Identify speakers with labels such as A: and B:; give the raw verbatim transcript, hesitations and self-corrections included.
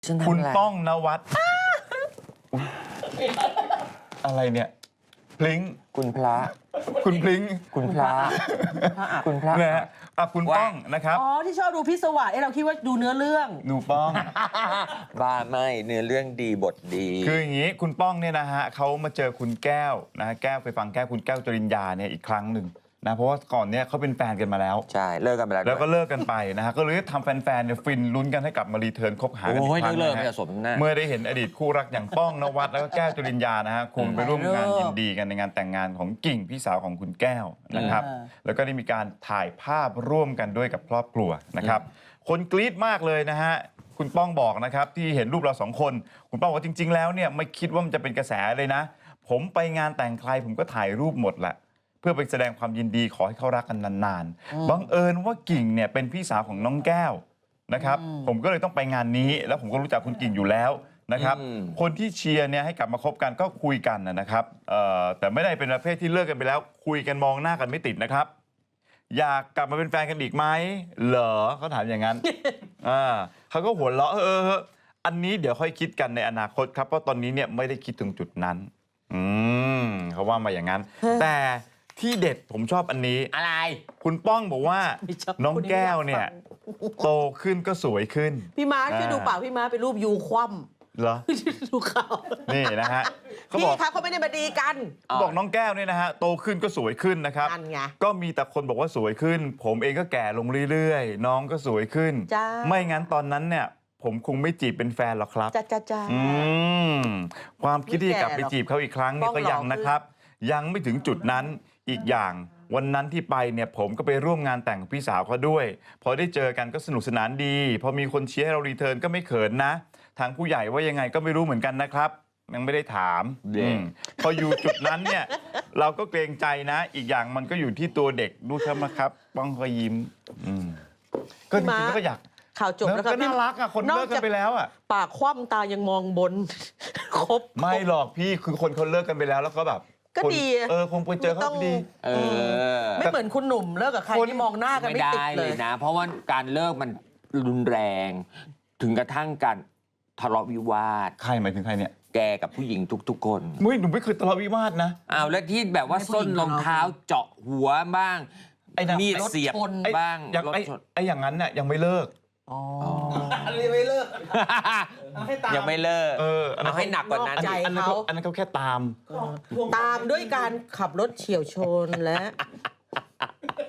A: คุณป้องนวัดอะไรเนี่ยพลิง
B: คุณพระ
A: คุณพลิง
B: คุณพระคุณพระ
A: นะฮะอ่ะคุณป้องนะครับ
C: อ๋อที่ชอบดูพิศวาสเอ้เราคิดว่าดูเนื้อเรื่อง
A: หนูป้อง
B: บ้าไม่เนื้อเรื่องดีบทดี
A: คืออย่างนี้คุณป้องเนี่ยนะฮะเขามาเจอคุณแก้วนะฮะแก้วไปฟังแก้วคุณแก้วจริญญาเนี่ยอีกครั้งหนึ่งนะเพราะว่าก่อนเนี่ยเขาเป็นแฟนกันมาแล้ว
B: ใช่เลิกกันไปแล้ว
A: แล้วก็
B: ด้วย
A: เลิกกันไปนะฮะก็เลยทำแฟนๆเนี่ยฟินลุ้นกันให้กลับมารีเทิร์นคบหากันอี
B: โอ้ย
A: กครั้ง
B: เลิก
A: นะ
B: ไม่
A: ฮะ
B: จะสมหน้า
A: เมื่อได้เห็นอดีตคู่รักอย่างป้องนวัดแล้วก็แก้วจริญญานะฮะคงไปร่วมงานยินดีกันในงานแต่งงานของกิ่งพี่สาวของคุณแก้วนะครับ
C: อ่า
A: แล้วก็ได้มีการถ่ายภาพร่วมกันด้วยกับครอบครัวนะครับ คนกรี๊ดมากเลยนะฮะคุณป้องบอกนะครับที่เห็นรูปเราสองคน คุณป้องบอกว่าจริง ๆ แล้วเนี่ยไม่คิดว่ามันจะเป็นกระแสเลยนะ ผมไปงานแต่งใครผมก็ถ่ายรูปหมดแหละเพื่อไปแสดงความยินดีขอให้เขารักกันนานๆบังเอิญว่ากิ่งเนี่ยเป็นพี่สาวของน้องแก้วนะครับผมก็เลยต้องไปงานนี้ แล้วผมก็รู้จักคุณกิ่งอยู่แล้วนะครับ
B: อืม
A: คนที่เชียร์เนี่ยให้กลับมาคบกันก็คุยกันนะครับเอ่อแต่ไม่ได้เป็นประเภทที่เลิกกันไปแล้ว คุยกันมองหน้ากันไม่ติดนะครับ อยากกลับมาเป็นแฟนกันอีกไหมเหรอเขาถามอย่างนั้น อ่าเขาก็หัวเราะเออเออเอออันนี้เดี๋ยวค่อยคิดกันในอนาคตครับเพราะตอนนี้เนี่ยไม่ได้คิดถึงจุดนั้น อืมเขาว่ามาอย่างนั้น แต่ที่เด็ดผมชอบอันนี้
B: อะไร
A: คุณป้องบอกว่า
C: ไม่ชอบ
A: น้องแก้วเนี่ยโตขึ้นก็สวยขึ้น
C: พี่ม้าช่วยดูปากพี่ม้าเป็นรูปยูคว่
A: เหรอ
C: ำดูเขา
A: นี่นะฮะเขา
C: พี่
A: บอก
C: ครับเขาไม่ได้มาดีกัน
A: เขาบอกน้องแก้วเนี่ยนะฮะโตขึ้นก็สวยขึ้นนะครับ
C: นั่นไง
A: ก็มีแต่คนบอกว่าสวยขึ้น ผมเองก็แก่ลงเรื่อยๆ น้องก็สวยขึ้น
C: จ้า
A: ไม่งั้นตอนนั้นเนี่ย ผมคงไม่จีบเป็นแฟนหรอกครับ
C: จ้าจ้าจ้า
A: อืมความคิดที่จะกลับไป
C: ไม่แก่หรอก
A: จีบเขาอีกครั้งเนี่ย
C: ป้
A: ก็
C: องหล่อ
A: ยังนะครับ ยังไม่ถึงจุดนั้นอีกอย่าง วันนั้นที่ไปเนี่ยผมก็ไปร่วมงานแต่งกับพี่สาวเขาด้วย พอได้เจอกันก็สนุกสนานดี พอมีคนเชียร์ให้เรารีเทิร์นก็ไม่เขินนะ ทางผู้ใหญ่ว่ายังไงก็ไม่รู้เหมือนกันนะครับ ยังไม่ได้ถาม
B: เด็ก
A: อืมพออยู่จุดนั้นเนี่ย เราก็เกรงใจนะ อีกอย่างมันก็อยู่ที่ตัวเด็กดูครับนะครับ ป้องก็ยิ้มอืมก็จ
C: พี่ม้า
A: ริงๆก็อยาก
C: ข่าวจบแล้วครั
A: ก็
C: บ
A: น่ารักอ่ะคนเลิกกันไปแล้วอ่ะ
C: ปากคว่ำตายังมองบน ครบ
A: ไม่หรอกพี่คือคนเขาเลิกกันไปแล้วแล้วก็แบบ
C: ก็
A: คน
C: ดี
A: เออคงไปเจอเขา
C: ต้อง
A: ดี
B: เออ
C: ไม่เหมือนคุณหนุ่มเลิกกับใคร
A: คน
C: ที่มองหน้ากัน
B: ไม่
C: ไม่
B: ได้
C: ติด
B: เล
C: เลย ย
B: นะ เพราะว่าการเลิกมันรุนแรง ถึงกระทั่งการทะเลาะวิวาท
A: ใครหมายถึงใครเนี่ย
B: แกกับผู้หญิงทุกๆ คน
A: มุ้ยหนูไม่เคยทะเลาะวิวาทนะ
B: อ้าวแล้วที่แบบว่า
C: ให้ผู้
B: ส้
C: หญิ
B: น
C: ง
B: รองเท้าเจาะหัวบ้าง
A: ไอ้น่ะ
B: มีดเสียบ
C: รถชน
A: ไอ้
B: บ้าง
A: อย่าง
B: รถ
A: ไอ้
B: ชน
A: ไอ้อย่างนั้นน่ะยังไม่เลิก
C: อ๋อ
D: ไม่เลิก ให้ตาม
B: ยังไม่เลิก
A: เอออันนั้น
B: เอาให้หนักกว่านั้น
C: นอกใจ
A: อันนั้นเขาอันนั้นเขาแค่ตาม
C: ตามด้วยการขับรถเฉี่ยวชนและ